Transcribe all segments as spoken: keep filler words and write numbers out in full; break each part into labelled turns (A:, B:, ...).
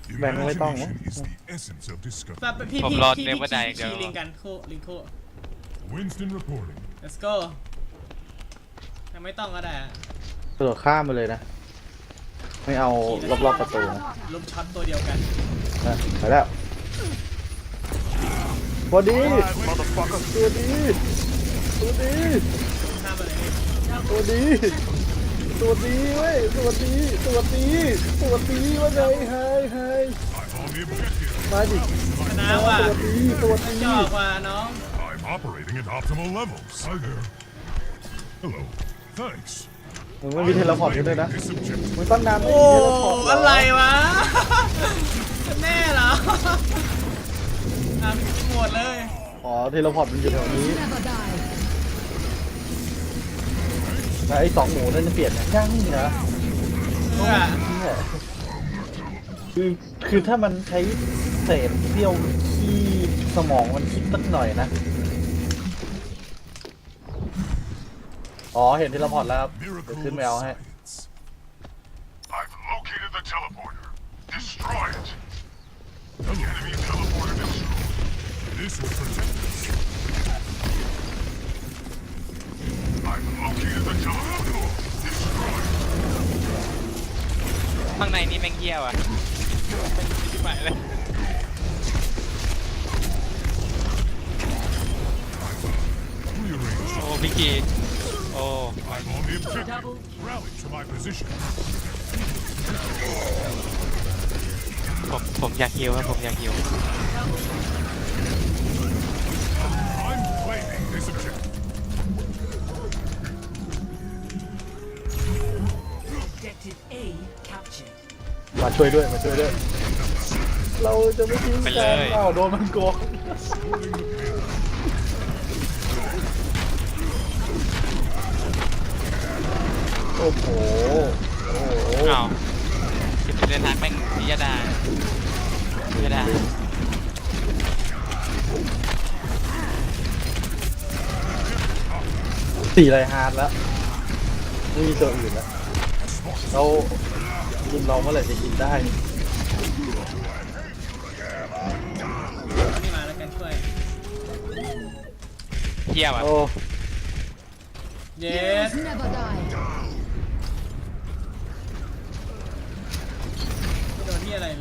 A: แบงค์ไม่ต้องนะ
B: Imagination is the essence of discovery.
C: แบบพี่
D: ผม
C: พี่
D: รอ
C: พี่
D: เน
C: พี่
D: เวอร์ได
C: ขี่
D: เดี๋ยว
C: ขี่ลิงกันคู่ลิงคู่
B: Winston reporting.
C: let's go ยังไม่ต้องก็ได้อะ
A: กระโดดข้ามไปเลยนะ ไม่เอารอบๆประตูนะ
C: ลุมช็อตตัวเดียวกัน
A: นะไปแล้วพอดีตัวดีตัวดี
C: ข้ามไปเลย
A: ตัวดีตัวดีเว้ยตัวดีตัวดีตัวดีว่าไงไฮไฮ
B: I'm on the objective.
A: มาดิ
C: ชนะว่ะ
A: ตัวดีตัวดี
C: จอกว่ะน้อง
B: I'm operating at optimal levels. Hi there. Hello. Thanks.
A: มึงไม่มีเทเลพอร์ตกันด้วยนะ
B: This objective.
A: มึงตั้งนานไม่
C: โอ้
A: มีเทเลพอร์ตเห
C: อะไรวะ แน่เหรอทำกินหมดเลย
A: อ๋อเทเลพอร์ตมันอยู่แถวนี้
E: Never die.
A: แล้วไอ้สองหมูนั่นจะเปลี่ยนยังยังนะ
C: เพื่อ
A: เนี่ยคือคือถ้ามันใช้เศษเสี้ยวที่สมองมันคิดสักหน่อยนะ อ๋อเห็นเทเลพอร์ตแล้วครับ เดี๋ยว
B: Miracle
A: ขึ้น
B: of
A: ไปเอาให้
B: science. I've located the teleporter. Destroy it. The enemy teleporter destroyed. This will protect us. I've located the teleporter. Destroy it.
D: ข้างในนี่แม่งเหี้ยวอ่ะชิบหายเลย
B: Rearrange.
D: โอ้พี่กีโอ้
B: I'm on the objective. Rally to my position.
D: ผมผมอยากฮิวครับผมอยากฮิว
B: I'm claiming this objective.
E: Objective A captured.
A: มาช่วยด้วยมาช่วยด้วย เราจะไม่ทิ้ง
D: ไป
A: กั
D: เล
A: น
D: ย
A: อ้าวโดนมันโกงโอ้โหโอ้โห
D: อ้าวจะเดินทางแม่งพิยดาพิยดา
A: สี่ไรฮาร์ดแล้วไม่มีตัวอื่นแล้วเรากินเราเมื่อไหร่จะกินได้
C: นี่มาแล้วกันช่วย
D: เหี้ยวอ่ะ
A: โอ้
C: เย็ด
E: Heroes never die.
C: ไม่โดนที่อะไรเลย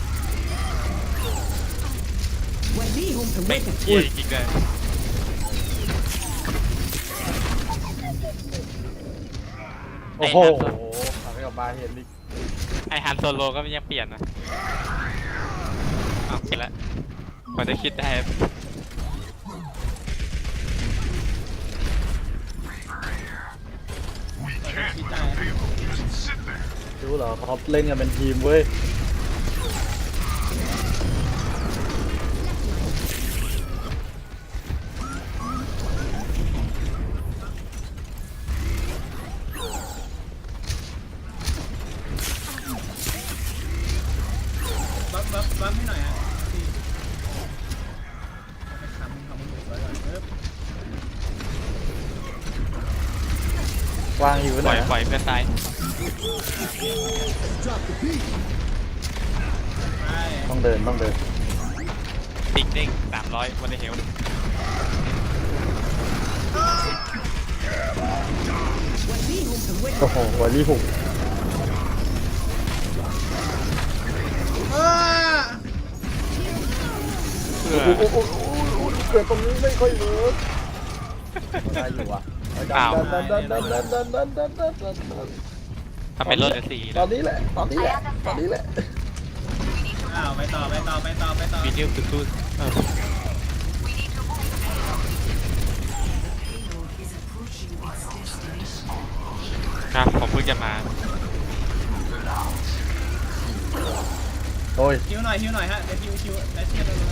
E: When we home to
D: แม่ง
E: wait.
D: เหี้ยจริงเลย
A: โอ้โหทำให้ออกมาเห็นอีก
D: ไอฮันโซโลก็ยังเปลี่ยนนะเอาคิดละกว่าจะคิดได้
B: We can't let the payload just sit there.
A: รู้เหรอเขาเล่นกันเป็นทีมเว้ย
C: บัฟบัฟบัฟให้หน่อยฮะพี่เอาไปทำทำมันสวยๆก่อนปึ๊บ
A: วางอยู่
D: ป
A: ไหน
D: ล่อย
A: นะ
D: ปล่อยเพื่อนตาย
C: ไป
A: ต้องเดินต้องเดิน
D: ปิกเด้งสามร้อยวันเดเฮล
E: When we home to wait.
A: โอ้โหวันนี้หุบ
C: อ้า
D: เพื่อ
A: โอ้โหเกิดตรงนี้ไม่ค่อยเวิร์กได้อยู่ว่ะดันดันดันดันดันดันดันดันดันดันดัน
D: ทำเป็นรถเดือดสี่
A: ต
D: แล้
A: อ
D: วน
A: นี้แหละตอนนี้แหละตอนนี้แหละ
C: อ้าวไปต่อไปต่อไปต่อไปต่อ
D: วิดีโอคือตู้เออ
E: Payload is approaching its destination.
D: ครับผมเพิ่งจะมา
A: โอ้ย
C: คิวหน่อยคิวหน่อยฮะเดี๋ยวคิวคิวแล้วเทียบกันเลย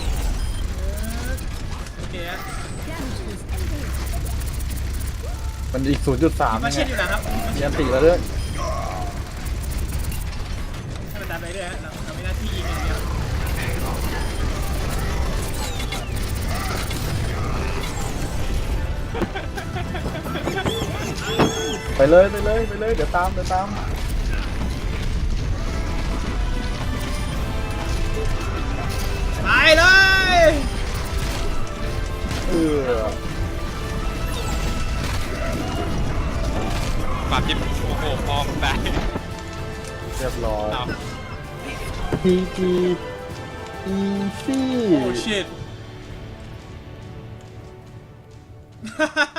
C: โอเคฮะ
A: มันอีก ศูนย์จุดสาม
C: มา
A: ยังไง
C: เช็ดอยู่นะครับ
A: เรียนติแล้วด้วย
C: ให้มันดันไปเรื่อยฮะเราเราไม่หน้าที่ยิงอย่างเดียว
A: ไปเลยไปเลยไปเลยเดี๋ยวตามเดี๋ยวตามเออ
D: ปากจิ้มโอ้โหพอมได้
A: เรียบร้อย
D: เอา
A: พีจีอีซี่
C: โอ้ชิต